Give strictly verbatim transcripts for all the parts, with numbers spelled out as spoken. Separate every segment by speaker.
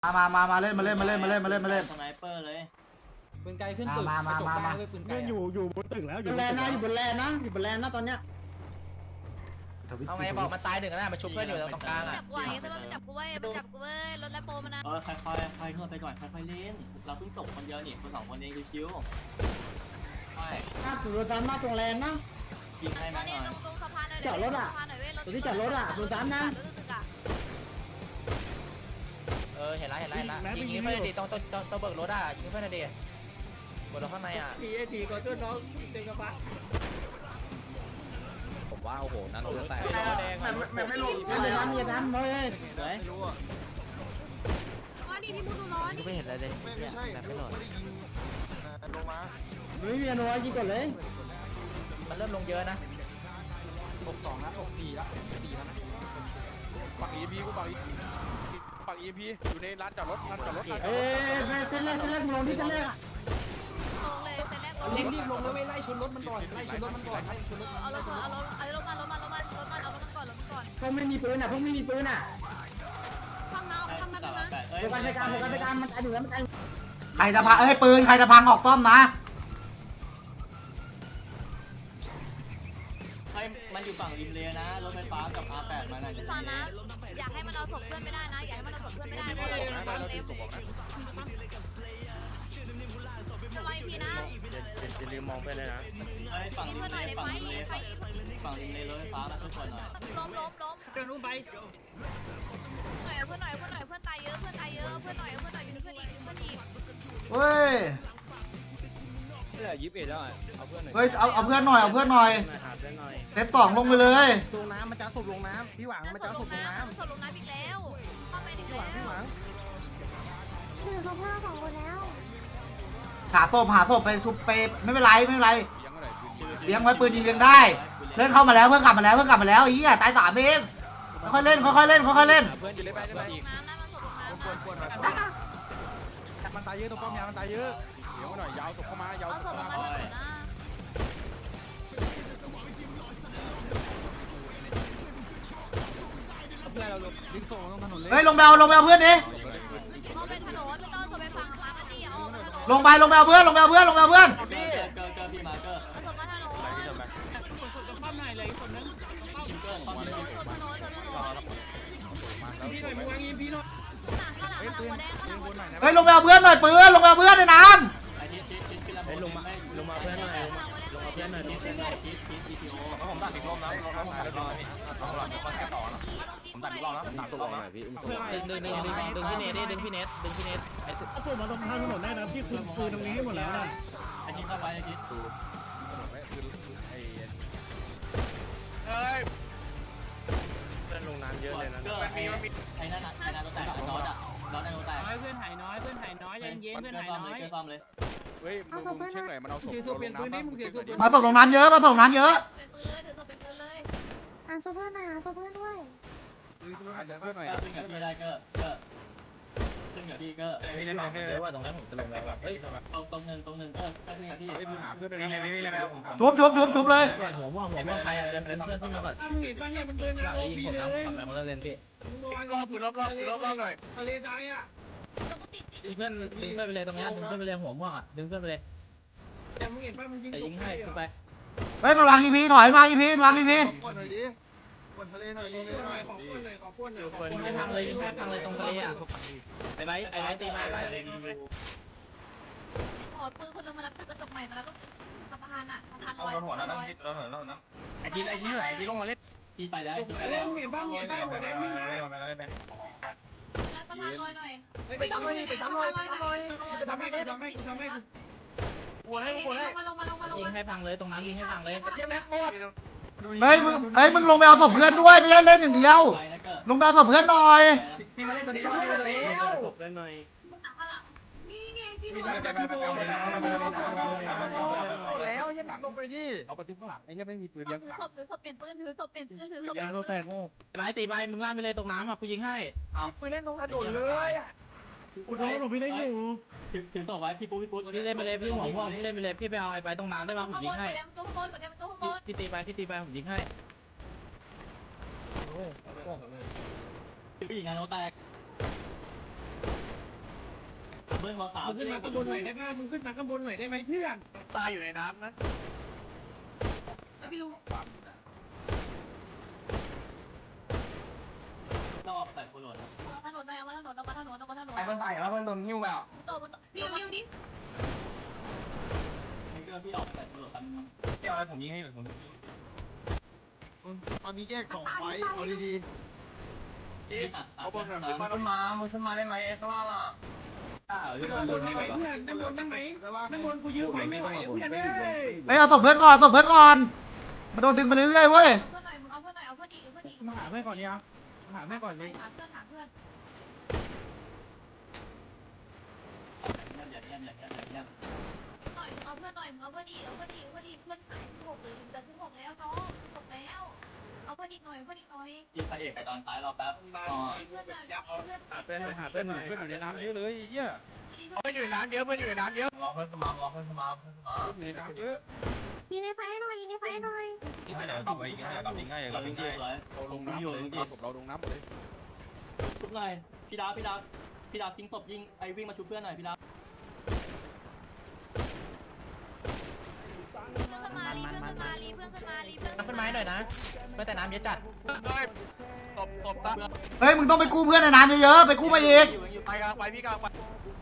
Speaker 1: มามามามาเล่นมาเล่นมาเล่นมาเล่นมาเล่นมาเล่น
Speaker 2: สไนเปอร์เลย
Speaker 3: ปืนไกลขึ้นตึก
Speaker 1: มามามามา
Speaker 3: ไปปืนไกล
Speaker 4: เล่นอยู่อยู่บนตึกแล้วอยู่
Speaker 5: บนแลนด์นะอยู่บนแลนด์นะอยู่บนแลนด์นะตอนเนี้ย
Speaker 6: เอาไงบอกมันตายหนึ่งแล้วนะมันชุบเพื่อนอยู่ตรงกลางอ่ะ
Speaker 7: จับไหวแต่ว่ามันจับกูเว้ยมันจับกูเว้ยรถแลมโบมันนะ
Speaker 2: เออค่อยๆค่อยๆนวดไปก่อนค่อยๆเล่นเราเพิ่งจบคนเดียวนี่คนสองคนเองชิวๆใช่
Speaker 5: ถ้าถูกรถตามมาตรงแลนด์นะ
Speaker 2: ยิงให้
Speaker 7: ต
Speaker 2: มา
Speaker 7: อน
Speaker 2: ห
Speaker 7: นี้
Speaker 2: น่อย
Speaker 7: ตรงตรงสะพานหน่อย
Speaker 5: จอดรถอะ
Speaker 7: สะพานหน่อยเว้ย
Speaker 5: ตรงที่จอดรถอะดูซ้ำนะ
Speaker 6: เออเห็นแล้วเห็นแล้วเห็นแล้วยิงเพื่อนดิต้องต้องต้องเบิกรถอ่ะยิงเพื่อนดิเบิกรถข้างในอ่ะ
Speaker 3: ทีไอทีก็ช่วยน้องเต็มกระบะ
Speaker 8: ผมว่าโอ้โหนั่นรถแตก
Speaker 5: มันไม่ลงไม่เลยนะมีน้ำเลย
Speaker 8: ไม่รู้อ่ะ
Speaker 7: อ๋อนี่พี่มุดดูร้อนนี่
Speaker 6: ไม่เห็นอะไรเลย
Speaker 8: ไม่ไม่ใช่ไม่ได้ยิงลงมา
Speaker 5: ไม่มีนัวยิงก่อนเลย
Speaker 6: มันเริ่มลงเยอะนะ
Speaker 3: หกสองนะหกสี่ละสี่แล้วนะ
Speaker 8: ปักอีพีกูปักอีปักอีพีอยู่ในร้านจอดรถร้านจอดรถ
Speaker 5: เอ้ยเส้นแรกเส้นแรกลงที่เส้นแรก
Speaker 7: ลงเลยเสร็จแล้วลง
Speaker 3: เร่งรีบลงแล้วไม่ไล่ชนรถมันก่อนไล่ชนรถมันก่อนไล่ชนรถ
Speaker 7: เอารถเอารถเอารถมารถมารถมารถมาเอารถมันก่อนรถมันก่อน
Speaker 5: พวกไม่มีปืนอ่ะพวกไม่มีปืนอ่ะ
Speaker 7: ฟังนะฟังนะฟังนะ
Speaker 5: โฟกัสในการโฟกัสในการมันตายหนึ่งแล้วมันตาย
Speaker 1: ใครจะพังเอ้ยปืนใครจะพังออกซ่อมนะ
Speaker 2: ให้มันอยู่ฝั่งริมเลนะรถไฟฟ้ากับ อาร์ แปด มันน่ะ
Speaker 7: ฟังนะอยากให้มันเอาศพเพื่อนไม่ได้นะอยากให้มันเอาศพเพื่อนไม่ได้เพราะเราเต็มเราเต็มระวังพี่นะ
Speaker 8: จะลืมมองไปเลยนะ
Speaker 2: เฮ้ยฝั่ง
Speaker 7: นี่
Speaker 2: ริม
Speaker 7: เพื่อนห
Speaker 2: เล
Speaker 7: น่อยได้
Speaker 2: ฝั่
Speaker 7: ไห
Speaker 2: ง
Speaker 7: ม
Speaker 2: ริมเล
Speaker 7: ไฟ
Speaker 2: ฝั่งริมเลรถไฟฟ้ามาช่วยคนหน่อย
Speaker 7: ล้มล้มล้ม
Speaker 3: เดินรู้ไป
Speaker 7: หน่อยเพื่อนหน่อยเพื่อนหน่อยเพื่อนตายเยอะเพื่อนตายเยอะเพื่อนหน่อยเพื่อนหน่อยอยู่เพื่อนอีกเพื่อนอีก
Speaker 1: เฮ้ย
Speaker 8: เหลือยี่สิบเอ็ดแล้วเอาเพื่อนหน่อย
Speaker 1: เฮ้ยเอาเอาเพื่อนหน่อยเอาเพื่อนหน่อย
Speaker 8: หาเพื่อนหน่อย
Speaker 1: เซตสองลงไปเลย
Speaker 4: ลงน้ำมันจะสูบลงน้ำพี่หวังมันจะสูบลงน้
Speaker 7: ศพลงน้ำอีกแล้วเข้าไปอีก
Speaker 4: ำพี่หวังพี่หวัง
Speaker 7: คือเขาพลาดสองคนแล้ว
Speaker 1: หาศพหาศพไปชุบไปไม่เป็นไรไม่เป็นไร
Speaker 8: ยังอะไรปืนยิง
Speaker 1: เลี้ยงไว้ปืนยิงเลี้ยงได้เพื่อนเข้ามาแล้วเพื่อนกลับมาแล้วเพื่อนกลับมาแล้วไอ้เหี้ยตายสามเองค่อยๆเล่นค่อยๆเล่นค่อยๆเล่น
Speaker 8: เพื่อนอยู่ได้ไปได้ไหม
Speaker 7: ลงน้ำนะมันศพลงน้ำ
Speaker 8: ปวดปวดหน่อย
Speaker 4: มันตายเยอะตรงป้อมยามันตายเยอะ
Speaker 8: เดี๋ยวหน่อยยาวศพเข้ามายาว
Speaker 7: เอา
Speaker 8: ศ
Speaker 7: ศ
Speaker 8: พ
Speaker 7: พล
Speaker 8: เข้าง มา
Speaker 7: มาถนนนะ
Speaker 3: เพื่อนเราลงดึงส่งลงถนนเลย
Speaker 1: เฮ้ยลงไปเอาลงไปเอาเพื่อนดิ
Speaker 7: เอาไปถนนไม่ต้องศพไปฝั่งมาปาร์ตี้เอาถนน
Speaker 1: ลงไปลงไปเอาเพื่อนลงไปเอาเพื่อนลงไปเอาเพื่อน
Speaker 2: เกอร์เกอร์เกอร์พี่มาเกอร์
Speaker 7: เอาศพมาถนน
Speaker 3: ป้อมไหนเลยคนนั้น
Speaker 2: คิมเกอร์ตอนนี้
Speaker 7: ศพถนนศพถนน
Speaker 3: พี่หน่อยมึงวางยิงพี่หน่อย
Speaker 7: ข้างหลังข้างหลังหัวแดงข้างหลังหัวแดง
Speaker 1: เฮ้ยลงไปเอาเพื่อนหน่อยปืนลงไปเอาเพื่อนในน้
Speaker 2: ไอ้ทิศทิศทิศขึ้นลำโพงลงมาลงมา
Speaker 7: เพื่อนหน่อย
Speaker 2: ลงมาเพื่อนหน่อยทิศทิศทิศทิศทีทีโอ
Speaker 8: ผมตัดอีกรอบนะรอบท้ายแล้วรอบนี้รอบหลังมาแค่ต่อนะผมตัดอีกรอบนะตัดรอบนะพี่
Speaker 6: ดึงดึงดึงดึงดึงพี่เนทดิดึงพี่เนทดึงพี่เนทไอ้
Speaker 4: เอาผมมาตรงข้างถนนได้นะพี่คุมปืนตรงนี้ให้หมดแล้วนะ
Speaker 2: ไอ้ทิศเข้าไปไอ้ทิศ
Speaker 8: เฮ้ยเพื่อนลงน้ำเยอะเลยนะ
Speaker 2: เกอร์ไอ้ไอ้นั่นอ่ะไอ้นั่นรถแตกน็อตอ่ะน็อตไอ้รถแตก
Speaker 3: น้อยเพื่อนหายน้อยเพื่อนหายน้อยเย็นเย็นเพื่อนหายน้อย
Speaker 2: เกอร์ซ่อมเลย
Speaker 8: เฮ้ยมึงมึงเช็คหน่อยมันเอาศพ
Speaker 3: ถือศพเปลี่ยนปืนนี่มึงถือศพ
Speaker 1: ำมาส่งลงน้ำเยอะมาส่งน้ำเยอะ
Speaker 7: เป็นปืนเลยถือศพเป็นปืนเลย
Speaker 9: หาตัวเพื่อนหน่อยหาตัวเพื่อนด้วย
Speaker 8: เพื่อนหน่อย
Speaker 2: เกอร์ขึ้นกับพี่ได้เกอร์เกอร์ขึ้นกับพี่เกอร์
Speaker 6: พี่เนทบอกเลยว่าตรงนั้นผมจะลงแล้วเฮ้ย
Speaker 2: ตรงตรงหนึ่งตรงหนึ่งเกอร์ขึ้นกับพี่
Speaker 8: เฮ้ยมึงหาเพื่อนด้วยนะนี่นี่นี่แล้ว
Speaker 1: ชุบชุบชุบชุบเลย
Speaker 6: หัวม่วงหัวม่วงใครอะไรเป็นเพื่อนขึ้นมาก่อน
Speaker 3: มึงเห็นป่ะเนี่ยมันเดิน
Speaker 6: หลังยิงผมนะผมแบบมาเล่นพี่
Speaker 8: รอบปืนรอบรอบรอบรอบหน่อย
Speaker 3: ทะเลใจอ่ะ
Speaker 7: ต้องติด
Speaker 6: ดึงเพื่อนดึงเพื่อนไปเลยตรงนี้ดึงเพื่อนไปเลยหัวม่วงอ่ะดึงเพื่อนไปเลย
Speaker 3: แต่มึงเห็นป่ะมันยิง
Speaker 6: แต่ยิงให้ขึ้นไป
Speaker 1: เฮ้ยมาวางอีพีถอยมาอีพีวางอีพี
Speaker 8: ปวดหน่อยดิปวดทะเลหน่อย
Speaker 3: ขอหน่อยขอพ่นหน่อยขอพ่นหน่อย
Speaker 6: ยิงให้พังเลยยิงให้พังเลยตรงทะเลอ่ะไอ้ไบไอ้ไบตีมาไอ้ไบ
Speaker 7: ถอดปืนคนลงมารับตึกกระจกใหม่มาแล้วก็สะพานอ่ะสะพานล
Speaker 8: เอา
Speaker 7: อย
Speaker 8: หัวนะต้องคิดเราหัวเรานะ
Speaker 2: ไอ้ทิศไอ้ทิศไหนไอ้ทิศลงมาเล่นทิศไปแล้วทิศไป
Speaker 3: เล่
Speaker 2: แล้ว
Speaker 3: นมึงเห็นป่ะมึงเห็นป่ะหัวแดงวิ่ง
Speaker 7: แล้วสะพานลอยหน่อย
Speaker 3: ไปทำเลยไปทำเลยไปทำเลยไปทำให้กูทำให้กูทำให้กูปวดให้กูปวดให้
Speaker 7: ลงมาลงมาลงมาลง
Speaker 6: ยิง
Speaker 7: มา
Speaker 6: ให้พังเลยตรงนั้นยิงให้พังเลย
Speaker 3: เจ็บแม็กหมด
Speaker 1: เฮ้ยมึงเฮ้ยมึงลงไปเอาศพเพื่อนด้วยไม่ใช่เล่นอย่างเดียว
Speaker 2: ไปนะเกอร์
Speaker 1: ลงไปเอาศพเพื่อนหน่อย
Speaker 3: พี่มาเล่นตัวนี้มาเล่นตัวนี้แล้ว
Speaker 8: ได้หน่อย
Speaker 7: นี่ไงที่
Speaker 3: มี
Speaker 7: ล
Speaker 3: แต่
Speaker 7: ง
Speaker 3: พี่โบแล้วยันหนักลงไปดิเอาไปทิ้งข้างหลังไอ้เนี่ยไม่มีปืน
Speaker 7: ถื
Speaker 3: ยั
Speaker 7: อง ศพถือศพเปลี่ยนปืนถือศพเปลี่ยนปืนถือศพเปลี่ยน
Speaker 6: ยัง
Speaker 7: ปื
Speaker 6: โด
Speaker 7: น
Speaker 6: นแตกโง่ไอ้ไบตีไปมึงล่าไปเลยตรงน้ำอ่ะกูยิงให้
Speaker 3: ปืนเล่นตรงถนนเลยอ่ะ
Speaker 4: อุดมหลบพี่ได้อยู่
Speaker 2: ถือถือต่อไว้พี่ปุ๊พี่ปุ๊
Speaker 6: พี่เล่นไปเลยพี่หัวม่วงพี่เล่นไปเลยพี่ไปเอาไอ้ไปตรงน้ำได้ป่ะผม
Speaker 7: ข้างบ
Speaker 6: ยิง
Speaker 7: น
Speaker 6: ให้
Speaker 7: หัวแดงตัวข้างบนหัวแดงตัวข้างบน
Speaker 6: พี่ตีไปพี่ตีไปผมยิงให้
Speaker 2: ผู้หญิงงานโนแตกเบิ้ลมาขาว
Speaker 4: มึงขึ้นมาข้างบนหน่อยได้ไหมมึงขึ้นมาข้างบนหน่อยได้ไหมเพื่อน
Speaker 3: ตายอยู่ในน้ำนะ
Speaker 7: ไม่รู้
Speaker 2: ต้องออกแต่คนหล่น
Speaker 7: ถนนไปเอามาถนนเอามาถนนเอามาถนน
Speaker 3: ไอ้มันตายแล้วมันโดนหิ้วแบบ
Speaker 7: โตมันวิววิวดิ
Speaker 2: นี่ก็พี่ออกแต่คนหล่นกัน
Speaker 3: เดี๋ยวอะไรผมยิงให้ผม
Speaker 4: ตอนนี้แยกสองไฟเอาดี
Speaker 2: เอาบอลหน่อย
Speaker 3: มันขึ้นมามันขึ้นมาได้ไหมไอ้ข้างล่างอ่ะ
Speaker 2: อ้าว
Speaker 4: ๆ
Speaker 2: พี่
Speaker 4: ด้าน
Speaker 2: โด
Speaker 4: บ
Speaker 2: น
Speaker 4: น
Speaker 2: ได้
Speaker 4: ไห
Speaker 2: ไง
Speaker 4: ม
Speaker 2: วะ
Speaker 4: เพื่อนด้านบนด้านไหนด้านบนกูยื้อไหวไม่ไหวเพื่อนเอ้ย
Speaker 1: เฮ้ยเอาศพเพื่อนก่อนศพเพื่อนก่อนมาโดนดึงไปเรื่อยๆเว้ย
Speaker 7: เพื่อนหน่อยมึงเอาเพื่อนหน่อยเอาเพื่อนอีกเอาเพื่อนอีก
Speaker 4: มาหาเพื่อนก่อนเนี่ยมาหาเพื่อนก่อนเลย
Speaker 7: หาเพื่อนหาเพื่อน
Speaker 2: อย่าเยี่ยมอย่าเยี่ยมอย่าเยี่ยม
Speaker 7: หน่อยเอาเพื่อนหน่อยเอาเพื่อนอีกเอาเพื่อนอีกเอาเพื่อนอีกเพื่อนหายหกเลยจะถึงหกแล้วน้องหกแล้วเอาเพื่อนอีกหน่อยเพื่อนอีกหน่อย
Speaker 2: ยิงพระเอกไปตอนท้ายเราแป๊บอ๋อ
Speaker 7: เพื่อนหน่อยเพื่อน
Speaker 4: หาเพื่อนหาเพื่อนหน่อยเพื่อนอยู่ในน้ำเยอะเลยเยี่ย
Speaker 3: เพื่อนอยู่ในน้ำเยอะเพื่อนอยู่ในน้ำเยอะรอเพื่อนเข้ามารอเพื่อนเข้ามาเพื่อนเข้ามา
Speaker 4: ในน้ำเยอะ
Speaker 9: ยิงในไฟหน่อยยิงในไฟหน่อย
Speaker 8: ง่ายกลับไปง่ายกลับไปง่ายกลับไปง่าย
Speaker 2: เลย
Speaker 4: เราลงน้ำเลยศพเราลงน้ำเลย
Speaker 2: ชุบหน่อยพี่ดาวพี่ดาวพี่ดาวทิ้งศพยิงไอ้วิ่งมาชุบเพื่อนหน่อยพี่ดาว
Speaker 7: เพื่อนขึ้นมาลีเพื่อนขึ้นมาลีเพื่อนขึ้นมาลีเพื่อน
Speaker 6: น้ำเป็นไม้หน่อยนะเพื่อนแต่น้ำเยอะจัด
Speaker 3: ศพศพตะ
Speaker 1: เฮ้ยมึงต้องไปกู้เพื่อนในน้ำเยอะๆไปกู้มาอีก
Speaker 3: ไปกลางไปพี่กลางไป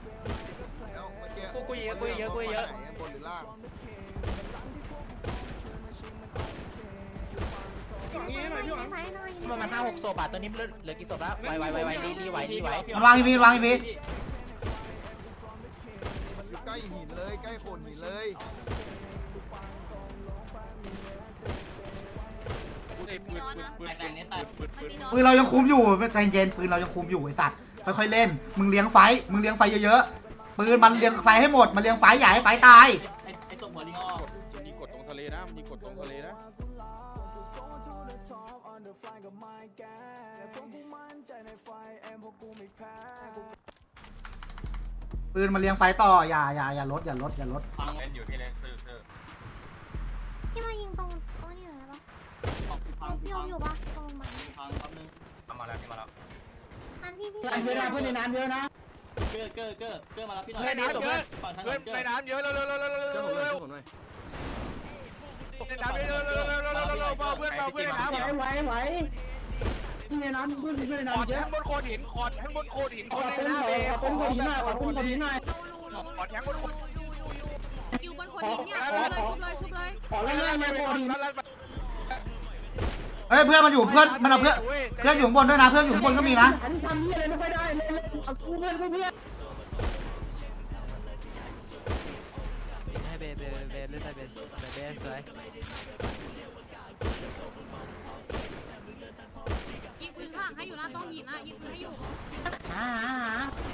Speaker 6: กูกูเยอะกูเยอะกูเยอะ
Speaker 4: บนหรือล่าง
Speaker 9: ยิงในไฟหน่อยยิงในไฟหน่อย
Speaker 6: ประมาณห้าหกศพอ่ะตัวนี้เหลือกี่ศพแล้วไวไวไวไวรีรีไวรีไว
Speaker 1: มันวางอีพีวางอีพี
Speaker 4: ใกล้หินเลยใกล้โขดหินเลย
Speaker 7: มีน้อยนะ
Speaker 2: แตกแตกนี้แตก
Speaker 7: มันมีน้อย
Speaker 1: ปืนเรายังคุมอยู่ใจเย็นปืนเรายังคุมอยู่ไอ้สัตว์ค่อยๆเล่นมึงเลี้ยงไฟมึงเลี้ยงไฟเยอะๆปืนมันเลี้ยงไฟให้หมดมันเลี้ยงไฟอย่าให้ไฟตาย
Speaker 2: ไอ้ไอ้ศพหัวลิงออก
Speaker 4: มันยิงกดตรงทะเลนะมันยิงกดตรงทะเลนะ
Speaker 1: ปืนมันเลี้ยงไฟต่ออย่าอย่าอย่าลดอย่าลดอย่าลด
Speaker 2: ฟัง
Speaker 8: เล่นอยู่ที่เล่นคือคือ
Speaker 9: พี่มายิงตรงตรงนี้หน่อยได้ปะ
Speaker 2: ฟัง
Speaker 9: พี่
Speaker 2: ฟั
Speaker 9: อง มอยู่ปะตรงมัน
Speaker 2: ฟังแป๊บนึง
Speaker 8: มาแล้วมาแล้ว
Speaker 9: อันพี่พี่
Speaker 5: เพื่อนเยอะนะเพื่อนในน้ำเยอะนะ
Speaker 2: เกอร์เกอร์เกอร์เกอร์มารับพี่หน่อย
Speaker 3: ในน้ำเยอะ
Speaker 2: ฝั่งถน
Speaker 3: เพื่อน
Speaker 2: นเกอ
Speaker 3: ใน
Speaker 2: ร์
Speaker 3: น้ำเยอะเร็วเร็วเร็วเร็วเร็วเร็วเร็วในน้ำเยอะเร็วเร็วเร็วเร็วเร็วเร็วเพื่อนเพื่อนในน้ำ
Speaker 5: ไหวไหวไหวที่ในน้ำเพื่อนเพื่อนใน
Speaker 3: ขอ
Speaker 5: น้ำเย
Speaker 3: แท
Speaker 5: อะ
Speaker 3: งบนโขดหินขอแทงบนโขดหิน
Speaker 5: ข
Speaker 3: ค
Speaker 5: อน
Speaker 3: ใน
Speaker 5: เป็น
Speaker 3: น้ำ
Speaker 5: ข
Speaker 3: เอ
Speaker 5: อเป็นคนหินหน่อยขอเป็นคนหินหน่อย
Speaker 3: ขอแทงบนโขด
Speaker 7: อยู่บนคนหินเนี่ยชุบเลยชุบเลย
Speaker 5: ขอเล่นเล่นเลยคนหิน
Speaker 1: เฮ้ยเพื่อนมันอยู่เพื่อนมันเอาเพื่อนเพื่อนอยู่ข้างบนด้วยนะเพื่อนอยู่ข้างบนก็มีนะ
Speaker 5: อันนี้ทำนี่อะไรไม่ค่อยได้เล่นเล่นเอาคู่เพื่อนคู่เพื่อน
Speaker 10: ให้เบเบเบเล่นไปเบเบเบสวย
Speaker 7: ยิงปืนข้างให้อยู่นะต้องหินนะยิงปืนให้อยู่
Speaker 5: หาหาหา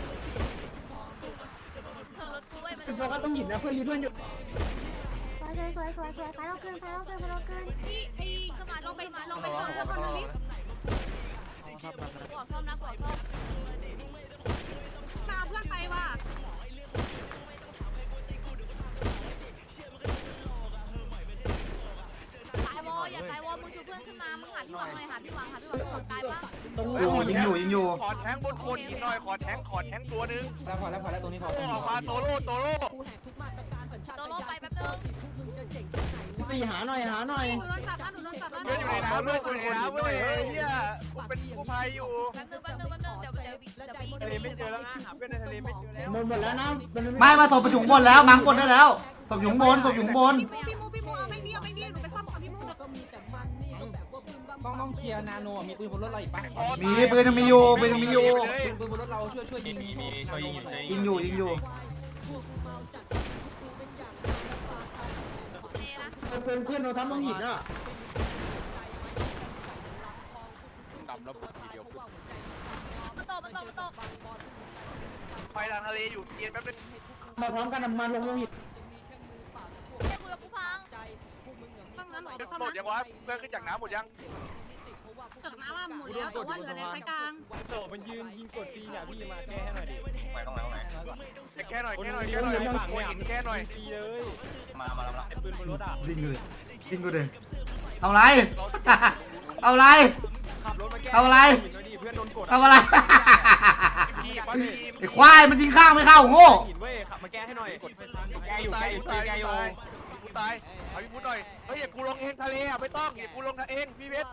Speaker 7: เธอรถช่วยมัน
Speaker 5: เป็นเพราะก็ต้องหินนะเพื่อนรีเพื่อนอยู่
Speaker 9: สวยสวยสวยสวยไฟเราเกินไฟเราเกินไฟเราเกิน
Speaker 7: ที่ไอ้ขึ้นมาลงไปลงไปซ่อมแล้วคนนึงนี่
Speaker 10: ชอบมากนะ
Speaker 7: ก่อซ่อมนะก่อซ่อมตามเพื่อนไปว่ะตายวออย่าตายวอมึงชูเพื่อนขึ้นมามึงหาพี่หวังหน่อยหาพี่หวังหาพี่หวังคนตายปะ
Speaker 5: ตรง
Speaker 1: อยู่ยิงอยู่ยิงอยู่
Speaker 3: ขอแทงบนโขดหินหน่อยขอแทงขอแทงตัวนึง
Speaker 10: แล้วพอแล้วพอแล้วตรงนี้พอ
Speaker 3: โตออกมาโตโร่โตโร่
Speaker 7: โตโร่ไปแป๊บนึง
Speaker 5: ตีหาหน่อยหาหน่อย
Speaker 7: หนูโดนจับนะหนูโดนจับนะ
Speaker 3: เพื่อนอยู่ในน้ำเพื่อนอยู่ในน้ำเว้ยเฮียเป็นกู้ภัยอยู่
Speaker 7: แป๊บนึงแป๊บนึงแป๊บนึงเดี๋ยวเดี๋ยวเดี๋ยวพี่
Speaker 3: ทะเลไม่เจอแล้วนะหาเพื่อนในทะเลไม่เจอแล้ว
Speaker 5: หมดหมดแล้วนะ
Speaker 1: ไม่มาศพไปอยู่ข้างบนแล้วมังบนได้แล้วศพอยู่ข้างบนศพอยู่ข้างบน
Speaker 7: พี่มูพี่มูเอาไม่มีเอาไม่มีหนูไปซ่อมก่อนพี่มู
Speaker 10: ต้องต้องเคลียร์นาโนมีปืนบนรถเราอีกปะ
Speaker 1: มีปืนยังมีอยู่ปืนยังมีอยู่
Speaker 10: ปืนบนรถเราช่วยช่วยยิง
Speaker 8: มีมีช่วยยิงช่วย
Speaker 1: ยิงอยู่ยิงอยู่
Speaker 7: เลยนะ
Speaker 5: เพื่อนเพื่อนเราทำต้องหินอ่ะ
Speaker 3: ดำแล้วทีเดียว
Speaker 7: มาตกมาตกมาตก
Speaker 3: ไปทางทะเลอยู่เย็นแป๊บนึง
Speaker 5: มาพร้อมกันมาลงลงหิน
Speaker 7: เจ้ากูแล้วกูพังพังนั้นหรอ
Speaker 3: หมดยังวะเพื่อนขึ้นจากน้ำหมดยัง
Speaker 7: จากน้ำมาหมดแล้วแต่ว่าเหลือในไฟกลาง
Speaker 4: โตมันยืนยิงกดฟรีอย่าพี่มาแก้ให้หน่อยดิ
Speaker 8: ไปตรงไหนตรงไหน
Speaker 3: แค่หน่อยแค่หน่อยแค่หน่อยฝั่งเนี่ยแค่หน่อย
Speaker 4: ฟรีเลย
Speaker 8: มามาแล้วมา
Speaker 4: ปืนบนรถอ่ะ
Speaker 1: ยิงกูเลยยิงกูเลยเอาไร เอาไร
Speaker 4: ขับรถมาแก้
Speaker 1: เอาอะไร
Speaker 4: หินเลยดิเพื่อนโดนกด
Speaker 1: เอาอะไร
Speaker 3: พ
Speaker 1: ไอ้ควายมันยิงข้างไม่เข้าโง่
Speaker 8: หินเว้ยขับมาแก้ให้หน่อยกดแก
Speaker 3: ตาย
Speaker 8: อยู่แกอยู่
Speaker 3: ตาย
Speaker 8: แกอยู่
Speaker 3: ตายกูตายเอาพี่พูดหน่อยเฮ้ยอย่ากูลงเองทะเลอ่ะไม่ต้องอย่ากูลงเองพี่เวส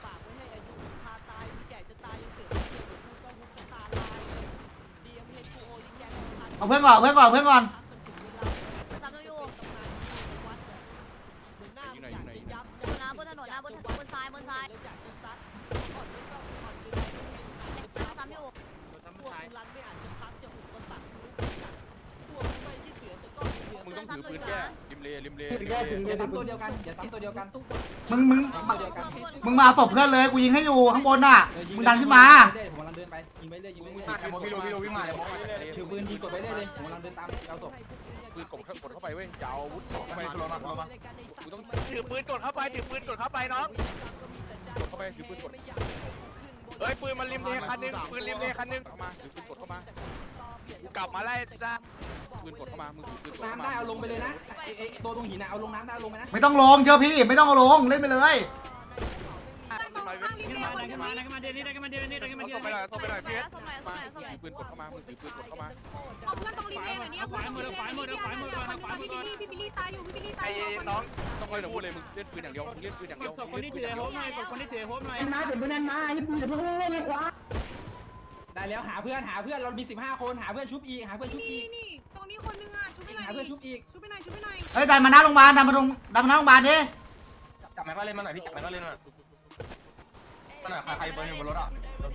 Speaker 1: เอาเพื่อนก่อนเพื่อนก่อนเพื่อนก่อน
Speaker 7: สามตัวอยู่
Speaker 3: ยิงหน่อยยิงหน่อยยิงหน่อย
Speaker 7: นะบนถนนนะบนบนซ้ายบนซ้ายซ้ำอยู่
Speaker 3: มึงต้องถือปืนแก้ริมเลริมเล
Speaker 5: แก้ถึง
Speaker 6: อย่าซ้ำตัวเดียวกันอย่าซ้ำตัวเดียวกัน
Speaker 1: มึงมึงมึงมาศพเพื่อนเลยกูยิงให้อยู่ข้างบนน่ะมึงดันขึ้นมา
Speaker 6: ผมกำลังเดินไปยิงไปเรื่อยยิงไปเรื่อย
Speaker 3: ไอ้โมพี่โรพี่โรวิ่งมาเลยโม
Speaker 6: ถือปืนยิงกดไปเรื่อยเลยผมกำลังเดินตามเอาศพ
Speaker 3: ปืนกดกดเข้าไปเว้ยอย่าเอาอาวุธเข้าไปลงมาลงมากูต้องถือปืนกดเข้าไปถือปืนกดเข้าไปน้องกดเข้าไปถือปืนกดเฮ้ยปืนมันริมเลคันนึงปืนริมเลคันนึงเข้ามาถือปืนกดเข้ามากูกลับมาไล่ซะปืนกดเข้ามามึงถือปืนกดเข้า
Speaker 6: น้ำ
Speaker 3: มา
Speaker 6: ได้เอาลงไปเลยนะไอ้ตัวตรงหินนะเอาลงน้ำได้เอาลงไปนะ
Speaker 1: ไม่ต้องลงเชื่อพี่ไม่ต้องเอาลงเล่นไปเลย
Speaker 3: ต้องไปหน่อยต้องไปหน่อยพี่เวส
Speaker 7: สมัยสมัยสมัย
Speaker 3: ถือปืนกดเข้ามามึงถือปืนกดเข้ามา
Speaker 9: เอาเพื่อนตรงริมเลนหน่อยเนี่ยขวามือขวามือขวามือขวามือพี่บิลลี่พี่บิลลี่ตายอยู่พี่บิลลี่ตา
Speaker 3: ไอ้
Speaker 9: ยอยู่
Speaker 3: น้องต้องเลยพูดเลยมึงเล่นปืนอย่างเดียวมึงเล่นปืนอย่างเดียว
Speaker 2: คนที่ถือโฮมหน่อยคนที่ถือโฮมหน่อย
Speaker 5: มาเป็นเพื่อนมาไอ้ปืนเพื่อนเล่นเลยขวา
Speaker 6: ได้แล้วหาเพื่อนหาเพื่อนเรามีสิบห้าคนหาเพื่อนชุบอีกหาเพื่อนชุบอี
Speaker 9: นี่
Speaker 6: ก
Speaker 9: นี่ตรงนี้คนนึงอ่ะชุบไปหน่อย
Speaker 6: หาเพื่อนชุบอีก
Speaker 9: ชุบไปหน่อยชุบไปหน่อย
Speaker 1: เฮ้ยดันมาหน้าโรงพยาบาลดันมาตรงดันมาหน้าโรงพยาบาลดิ
Speaker 8: จับแม็กก็เล่นมาหน่อยพี่จับแม็กก็เล่นมาหน่อยใครบนบนรถอ่ะ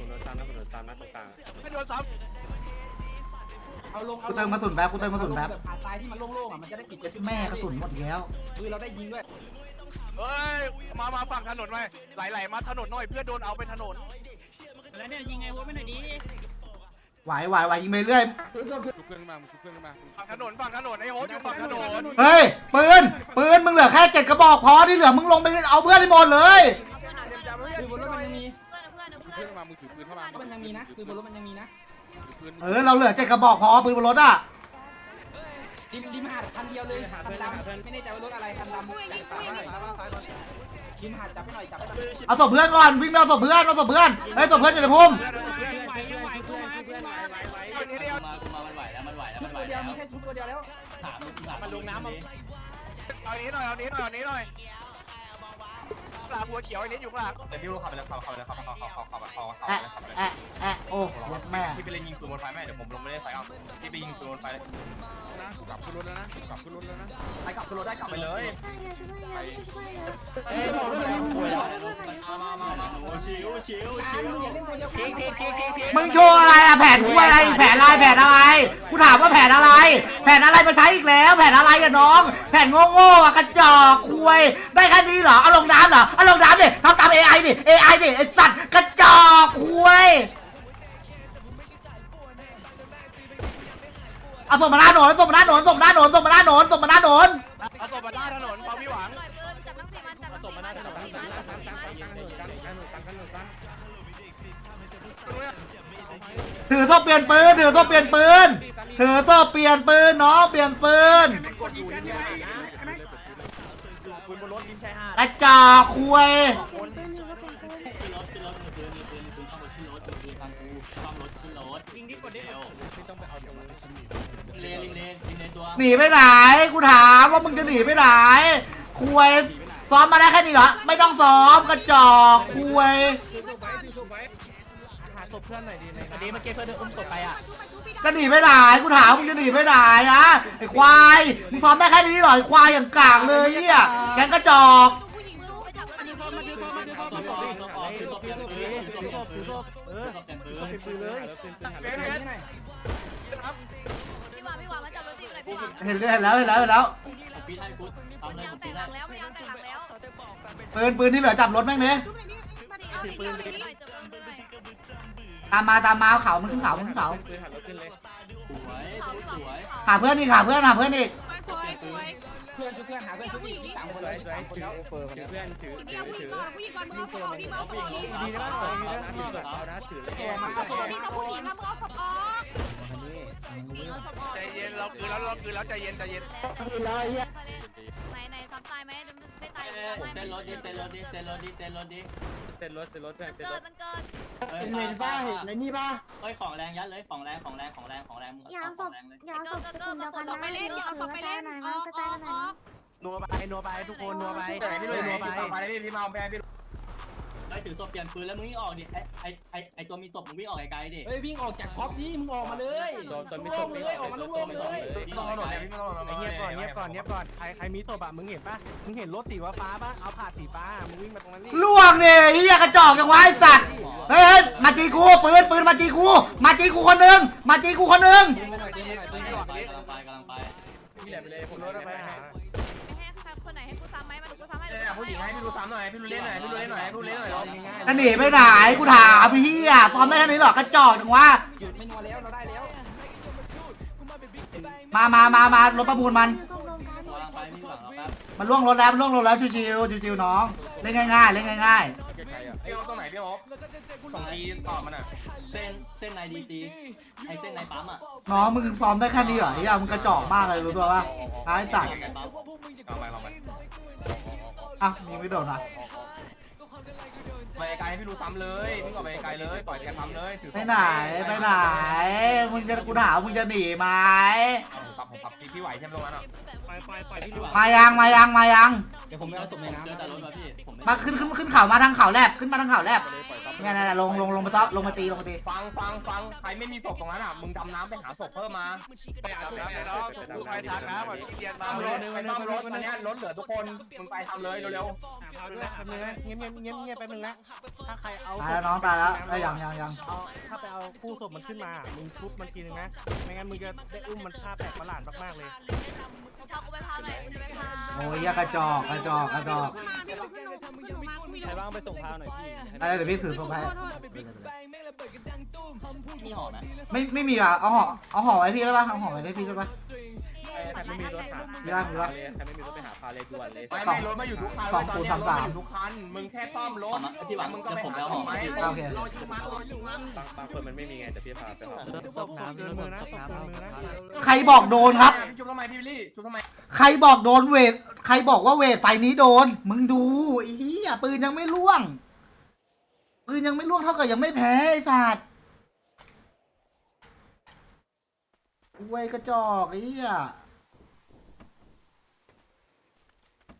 Speaker 3: ไม่โดนซ้
Speaker 6: เอาลง
Speaker 1: กูเติมกระสุนแป๊บกูเติมกระสุนแป๊บ
Speaker 6: แบบผ่าทรายที่มันโล่งๆอ่ะมันจะได้ปิด
Speaker 1: แม่กระสุนหมดอีกแล้ว
Speaker 6: คือเราได้ยิงด้วย
Speaker 3: ำเฮ้ยมามาฝั่งถนนหน่อยไหลๆมาถนนหน่อยเพื่อโดนเอาไปถนน
Speaker 2: แล้วเนี่ยยิงไงโฮมไม่หน่อยดี
Speaker 1: ไหวไหวไหวยิงไปเรื่อย
Speaker 3: ชุบเพื่อนขึ้นมาชุบเพื่อนขึ้นมาฝั่งถนนฝั่งถนนไอ้โฮสอยู่ฝั่งถนน
Speaker 1: เฮ้ยปืนปืนมึงเหลือแค่เจ็ดกระบอกพอที่เหลือมึงลงไปเอาเพื่อนให้หมดเลย
Speaker 6: คือบนรถมันยังมี
Speaker 7: เพื่อนเพื่อน
Speaker 3: ชุบ
Speaker 7: เพื่
Speaker 3: เพื่
Speaker 7: อ
Speaker 3: อน นขึ้นมามึงถือปืนเข้ามา
Speaker 6: มันยังมีนะคือบนรถมันยังมีนะ
Speaker 3: ถือปืน
Speaker 1: เออเราเหลือเจ็ดกระบอกพอปืนบนรถอ่ะ
Speaker 6: ดิมดิมหาดคันเดียวเลยคันดำไม่แน่ใจว่ารถอะไรคันดำดิมหาดจับให้หน่อยจับให้หน่อย
Speaker 1: เอาศพเพื่อนก่อนวิ่งไปเอาศพเพื่อนเอาศพเพื่อนเฮ้ยศพเพื่อนอยู่ในพุ่ม
Speaker 3: เพื่อนเพื่อน
Speaker 2: ไหวยังไหวกูมากูมา
Speaker 3: คนนี้เดียว
Speaker 2: มากูมามันไหวแล้วมันไหวแล้ว
Speaker 6: ชุ
Speaker 2: มั
Speaker 6: ด
Speaker 2: นไหว
Speaker 6: ตัวเดียว
Speaker 2: แล้ว
Speaker 6: มีแค่ชุดตัวเดียวแล้ว
Speaker 2: ถามมันลงน้ำมา
Speaker 3: เอานี้หน่อยเอานี้หน่อยเอานี้หน่อยปลาบัวเขียวไอ้นี้อยู่ข้างหลัง
Speaker 8: แต่พี่รู้ขับไปแล้วขับขับไปแล้วขับขับขับขับขับขับขับขับ
Speaker 1: แอะแอะแอะโอ้รถแม่
Speaker 8: พี่ไปเล่นยิงปืนบนไฟแม่เดี๋ยวผมลงไม่ได้ไฟเอาพี่ไปยิงปืนบนไฟ
Speaker 3: นะกูกลับขึ้นรถแล้วนะกูกลับขึ้นรถแล้วนะ
Speaker 8: ไปกลับขึ้นรถได้กลับไปเลย
Speaker 5: เอ้ยบอกเลย
Speaker 2: มามามาชิวชิว
Speaker 6: การมึงอย่าเล่นตัวเดียวกัน
Speaker 1: มึงโชว์อะไรอะแผนกูอะไรแผนอะไรแผนอะไรกูถามว่าแผนอะไร แผนอะไรมาใช้อีกแล้ว แผนอะไรอะน้อง แผนโง่ๆอะกระจอกคุยได้แค่นี้เหรอเอาลงน้ำเหรอเอาลงน้ำดิทำตาม เอ ไอ ดิ เอ ไอ ดิไอสัตว์กระจอกคุยเอาส่งมาหน้าหนนส่งมาหน้าหนนส่งมาหน้าหนนส่งมาหน้าหนนส่งมาหน้าหนน
Speaker 3: เอาศพมาหน้าถนนเปาพี่หวัง
Speaker 7: หน่อยปืนจับทั้งสี่มันจับทั้งสี่มันจับทั้งสี่มันจับทั้งสี่มัน
Speaker 1: ถือโซ่เปลี่ยนปืนถือโซ่เปลี่ยนปืนถือโซ่เปลี่ยนปืนน้องเปลี่ยนปืน
Speaker 3: กดอยู่นี่ไง
Speaker 8: ปืนบนรถยิงใช่ห้าก
Speaker 1: ระจอกคุย
Speaker 2: ขึ้นรถขึ้นรถปืนปืนปืนปืนต้องรถขึ้นรถปืนฟังกูต้องรถขึ้นรถยิงดิกดดิเร็วไม่ต้องไปเอาเดี๋ยวเลนเลนเลนตัว
Speaker 1: หนีไปไหนกูถามว่ามึงจะหนีไปไหนคุยซ้อมมาได้แค่นี้เหรอไม่ต้องซ้อมกระจอกคุย
Speaker 6: หาศพเพื่อนหน่อยดีในดีเมื่อกี้เพื่อนอุ้มศพไปอ่ะ
Speaker 1: จะหนีไปไหนกูถามมึงจะหนีไปไหนอะไอ้ควายมึงซ้อมได้แค่นี้เหรอไอ้ควายอย่างกากเลยเนี่ยแกงกระจอก
Speaker 7: ผู้หญิงรู้ไปจับมัน
Speaker 2: มาถือมาถือมาถือมาถือมาถือมาถือมาถือมาถือมาถือมาเออถือปืนเลย
Speaker 3: เบสเบส
Speaker 7: พี่หวานพี่หวานมาจับรถจีบหน่อยพี่หวาน
Speaker 1: เห็นเห็นแล้วเห็นแล้วเห็นแล้ว
Speaker 2: ปีนให้พุทธทำเลย
Speaker 7: ยาง
Speaker 2: ปี
Speaker 7: แตก
Speaker 2: น
Speaker 7: ห
Speaker 2: ให้
Speaker 7: ลังแล้วยางแตกหลังแล้ว
Speaker 1: ปืนปืนที่เหลือจับรถแม่งเนี่ย
Speaker 9: ชุบหน่อยดิมาดิ
Speaker 7: เอา
Speaker 9: เอา
Speaker 7: สี
Speaker 9: ดิ
Speaker 7: เขียว
Speaker 9: เอา
Speaker 7: หน่
Speaker 9: ดิ
Speaker 7: อยจับรถหน่อย
Speaker 1: ตามมาตามมาเขามันขึ้นเขามันขึ้นเขา
Speaker 2: สวยสวย
Speaker 1: หาเพื่อนอีกหาเพื่อนหาเพื่อนอีก
Speaker 9: สวยสวย
Speaker 6: เพื่อนชุบเพื่อนหาเพื่อนชุบอีกสามคนเลยสามคนแล้ว
Speaker 10: เพื่อนถือ
Speaker 9: ผู้หญิงผู้หญิงก่อนผู้หญิงก่อนมึงเอาศพออกดิมึงเอาศพออกดิ
Speaker 10: ดีนะดีนะเอานะถือเลย
Speaker 9: เอาศพออกดิถ้าผู้หญิงนะมึงเอาศพออกผู้หญิงเอาศพออก
Speaker 3: ใจเย็นเราคือแล้วเราคือแล้วใจเย็นใจเย็น
Speaker 5: เลยเฮีย
Speaker 7: ไหนไหนซ้ำตายไหมไม่ตาย
Speaker 2: เเส้นรถดิเส้นรถดิเส้นรถดิเส้นรถดิ
Speaker 8: เต้นรถเต้นรถ
Speaker 7: มันเกิดมันเกิด
Speaker 5: เห็นป้าเห็นในนี่ป้า
Speaker 2: เฮ้ยของแรงยัดเลยของแรงของแรงของแรงของแรงมึง
Speaker 5: ยาว
Speaker 2: เอา
Speaker 5: ศ
Speaker 2: ของ
Speaker 5: พ
Speaker 2: แรงเลย
Speaker 5: ยาวศพ
Speaker 9: เกิดมาปลดออกไปเล่นเอาศพไปเล่นออกออกออก
Speaker 10: นัวไปนัวไปทุกคนนัวไป
Speaker 3: พี่ลุย
Speaker 10: นัว
Speaker 3: ไป
Speaker 10: ไป
Speaker 3: ไปพี่พี่มาแพงพี่
Speaker 2: ได้ถือศพเปลี่ยนปืนแล้วมึงวิ่งออกดิไอไอไอไอตัวมีศพมึงวิ่งออกไกลๆดิ
Speaker 4: เฮ้ยวิ่งออกจากท็อปนี่มึงออกมาเลย
Speaker 8: โดนจนไม่
Speaker 4: โล่
Speaker 8: ต
Speaker 4: ง
Speaker 8: ก
Speaker 4: เลยออกมาโล่งเลย
Speaker 3: พี่ต้องถนนเนี่ยพี่ไม่ต้องถนน
Speaker 10: เงียบก่อนเงียบก่อนเงียบก่อนใครใครมีศพอะมึงเห็นปะมึงเห็นรถสีฟ้าปะเอาผ่าสีฟ้ามึงวิ่งมาตรงนั้นนี่
Speaker 1: ล่วงเนี่ยเฮียกระจอกจังวะไอ้สัตว์เฮ้ยมาจีกูปืนปืนมาจีกูมาจีกูคนหนึ่งมาจีกูคนหนึ่ง
Speaker 2: กำลังไปกำลังไปกำลังไป
Speaker 8: พี่แหลมไปเลยผม
Speaker 10: ร
Speaker 8: ร
Speaker 10: ถ
Speaker 8: ถ
Speaker 10: ไป
Speaker 8: ไป
Speaker 10: หา
Speaker 9: ไม่ให้ใครคนไหนให้กูซ้ำไหมมาดูกูซ้ำให้
Speaker 3: เนี่ยผู้หญิงให้พี่ดูซ้ำหน่อยพี่ดูเล่นหน่อยพี่ดูเล่นหน่อยพี่ดูเล่นหน่อย
Speaker 1: จะหนีไปไหนกูถามพี่เฮียซ้อมได้แค่นี้หรอกระจอกจังวะ
Speaker 4: หยุดไม่นัวแล้วเราได้แล้ว
Speaker 1: มามามามารถประมูลมัน
Speaker 2: กำลังไปมีหลังแล้วครับ
Speaker 1: มันล่วงรถแล้วมันล่วงรถแล้วชิวๆชิวๆน้องเล่นง่ายๆเล่นง่าย
Speaker 3: ไกลๆอ่ะพี่อ๊อฟตรงไหนพี่อ๊อฟตรงดีตอบมันอ่ะ
Speaker 2: เส้นเส้นในดีซีไอเส้นในปั๊มอ่ะ
Speaker 1: ๆน้องมึงซ้อมได้แค่นี้เหรอเฮียมึงกระจอกมากเลยรู้ตัวปะไอ้สัตว์
Speaker 2: ในปั๊ม
Speaker 3: ลองไปลองไป
Speaker 1: อ่ะยิงไม่โดนนะ
Speaker 3: ไปไกลให้พี่ดูซ้ำเลยพี่ก็ไปไกลเลยปล่อยแกซ้ำเลยถือ
Speaker 1: ไปไหนไปไหนมึงจะกูถามมึงจะหนีไหม
Speaker 3: ผมขับผมขับพี่ไหวใช่ไหมตรงนั้นอ่ะ
Speaker 10: ไปไปไปที่ดู
Speaker 1: มายังมายังมายัง
Speaker 4: เดี๋ยวผมไปเอาศพในน้ำ
Speaker 2: เจอแต่รถป่ะพี่ผม
Speaker 1: มาขึ้นขึ้นขึ้นเขามาทางเขาแลบขึ้นมาทางเขาแลบเนี่ยนี่ยลงลงลงมาซ้อลงมาตีลงมาตี
Speaker 3: ฟังฟังฟังใครไม่มีศพตรงนั้นอ่ะมึงดำน้ำไปหาศพเพิ่มมา
Speaker 8: ไปหาศพไปน้องกูไปทางน้ำอ่ะพี่เดียนมา
Speaker 3: ทำรถไปต้อมรถตอนนี้รถเหลือทุกคนมึงไปทำเลยเร็ว
Speaker 10: เอาด้วยแป๊บนึงนะเงียบเงียบเงียบเงียบแป๊บนึงนะถ้าใครเอา
Speaker 1: ตายแล้วน้องตายแล้วไอ้ยยังยังยัง
Speaker 10: เอาถ้าไปเอาคู่ศพมันขึ้นมามึงชุบมันทีนึงนะไม่งั้นมึงจะได้อุ้มมันท่าแปลกประหลาดมากๆเลย
Speaker 7: พากูไปพาหน่อยกูจะไปพา
Speaker 1: โอ้ยเหี้ยกระจอกกระจอกกระจอก
Speaker 9: ขึ้นมาพี่ลูกขึ้นลงขึ้นลงมากูมี
Speaker 8: ใครบ้างไปส่งพาวหน่อยพี่
Speaker 1: อะไรเดี๋ยวพี่ถือส่งให้
Speaker 2: มีหอไหม
Speaker 1: ไม่ไม่มีอ่ะเอาห่อเอาห่อไว้พี่ได้ปะเอาห่อไว้ได้พี่ได้ปะ
Speaker 8: ใครไม่มีรถหา
Speaker 1: มีป่ะมีป่ะ
Speaker 8: ใครไม่มีรถไปหาพาเลยด่วนเลย
Speaker 3: ๆไม่ไม่รถมาอยู่ทุกคันรถมาอยู่ทุกคันมึงแค่ซ่อมรถ
Speaker 2: พี่หวัง
Speaker 3: มึงก็
Speaker 2: จะ
Speaker 3: ไป
Speaker 2: ผม
Speaker 3: หา
Speaker 2: แล้ว
Speaker 3: ข
Speaker 2: ห
Speaker 3: อ
Speaker 2: อง
Speaker 3: ไหม
Speaker 1: โอเค
Speaker 8: บางบางคนมันไม่มีไงแต่พี่พาไปหา
Speaker 10: ศพน้ำเกินมือนะศพเกินมือนะ
Speaker 1: ใครบอกโดนครับ
Speaker 3: พี่ชุบทำไมพี่วิลลี่ชุบทำไม
Speaker 1: ใครบอกโดนเวทใครบอกว่าเวทไฟนี้โดน มึงดูไอ้เหี้ยปืนยังไม่ล่วง ปืนยังไม่ล่วงเท่ากับยังไม่แพ้ไอ้สัตว์เว้ยกระจอกไอ้เหี้ย